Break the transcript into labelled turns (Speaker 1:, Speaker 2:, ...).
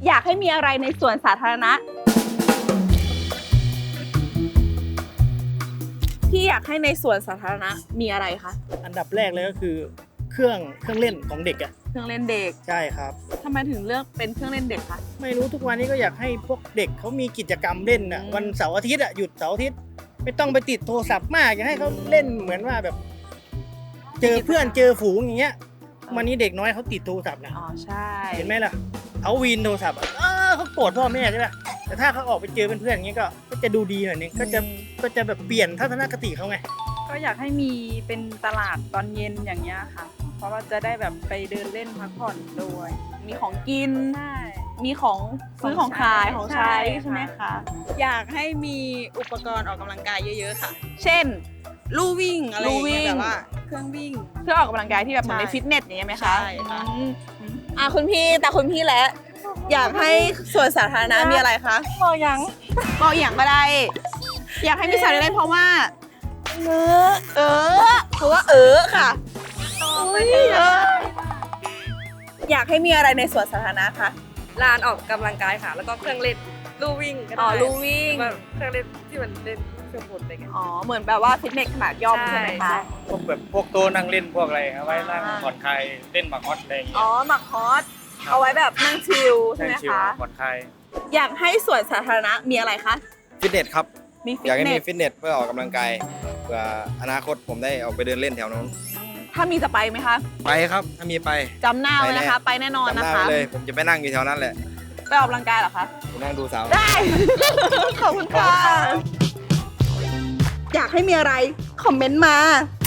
Speaker 1: อยากให้มีอะไรในสวนสาธารณะที่อยากให้ในสวนสาธารณะมีอะไรคะ
Speaker 2: อันดับแรกเลยก็คือเครื่องเล่นของเด็กอ่ะ
Speaker 1: เครื่องเล่นเด็ก
Speaker 2: ใช่ครับ
Speaker 1: ทำไมถึงเลือกเป็นเครื่องเล่นเด็กคะ
Speaker 2: ไม่รู้ทุกวันนี้ก็อยากให้พวกเด็กเขามีกิจกรรมเล่นอ่ะ วันเสาร์อาทิตย์อ่ะหยุดเสาร์อาทิตย์ไม่ต้องไปติดโทรศัพท์มากอยากให้เขาเล่นเหมือนว่าแบบ เจอเพื่อนเจอฝูงอย่างเงี้ยวันนี้เด็กน้อยเขาติดโทรศัพท์นะ
Speaker 1: อ๋อใช่
Speaker 2: เห็นไหมล่ะเขาวีนโทรศัพท์อะเขาโกรธพ่อแม่ใช่ป่ะแต่ถ้าเขาออกไปเจอเพื่อนๆอย่างเงี้ยก็จะดูดีหน่อยนึงก็จะแบบเปลี่ยนทัศนคติเขาไง
Speaker 3: ก็อยากให้มีเป็นตลาดตอนเย็นอย่างเงี้ยค่ะ เพราะว่าจะได้แบบไปเดินเล่นพักผ่อนด้วย
Speaker 1: มีของกิน
Speaker 3: ใช่
Speaker 1: มีของซื้อของขายของใช้ใช่ไหมคะ
Speaker 3: อยากให้มีอุปกรณ์ออกกำลังกายเยอะๆค่ะ
Speaker 1: เช่น
Speaker 3: ลู่วิ่งอะไรอย่างเงี้ย
Speaker 1: ลู่วิ่ง
Speaker 3: แบบว่าเครื่องวิ่ง
Speaker 1: เครื่องออกกำลังกายที่แบบเหมือนใน
Speaker 3: ใช่
Speaker 1: ฟิตเนสอย่างเงี้ยไหมคะ
Speaker 3: ใช่ค่ะ
Speaker 1: คุณพี่แต่คุณพี่แล้วอยากให้สวนสาธารณะมีอะไรคะ
Speaker 3: บอกยัง
Speaker 1: บอกอย่างก็ได้ อยากให้มีสาธารณะเพราะว่าเพราะว่าค่ะอุ๊ยอยากให้มีอะไรในสวนสาธารณะคะ
Speaker 4: ลานออกกำลังกายค่ะ แล้วก็เครื่องเล่นลู่วิ่งก็
Speaker 1: อ๋
Speaker 4: ได้
Speaker 1: อลู่วิ่ง
Speaker 4: แบบเครื่องเล่นที่มันเล่นเครื่องบนอะไรเงี้ย
Speaker 1: อ๋อเหมือนแบบว่าฟิตเนสขนาดย่อมใช่ไหม
Speaker 4: ใช่
Speaker 1: คะ
Speaker 5: พวกแบบพวกโต๊ะนั่งเล่นพวกอะไรเอาไว้นั่งผ่อนคลายเล่นหมากฮอตอะไรอย่างเงี้
Speaker 1: อ๋
Speaker 5: ย
Speaker 1: อหมักฮอตเอาไว้แบบนั่งชิลใช่ไหม
Speaker 5: ชิล
Speaker 1: คะ
Speaker 5: ผ่อนคลาย
Speaker 1: อยากให้สวนสาธารณะมีอะไรคะ
Speaker 6: ฟิตเนสครับ
Speaker 1: มีฟิ
Speaker 6: อยาก
Speaker 1: ต
Speaker 6: ให้
Speaker 1: เน
Speaker 6: มี
Speaker 1: ส
Speaker 6: ฟิตเนสเพื่อออกกำลังกายเพื่ออนาคตผมได้ออกไปเดินเล่นแถวนั้น
Speaker 1: ถ้ามีจะไปไหมคะ
Speaker 6: ไปครับถ้ามีไป
Speaker 1: จำหน้าไว้นะคะ ไปแน่นอน
Speaker 6: จำห
Speaker 1: นะ
Speaker 6: น้า
Speaker 1: คะ
Speaker 6: ไว้เลย ผมจะไปนั่งอยู่แถวนั้นแหละ
Speaker 1: ไปออกกำลังกายเหรอคะ
Speaker 6: ไปนั่งดูสาว
Speaker 1: ได้ ขอบคุณค่ะ อยากให้มีอะไร คอมเมนต์มา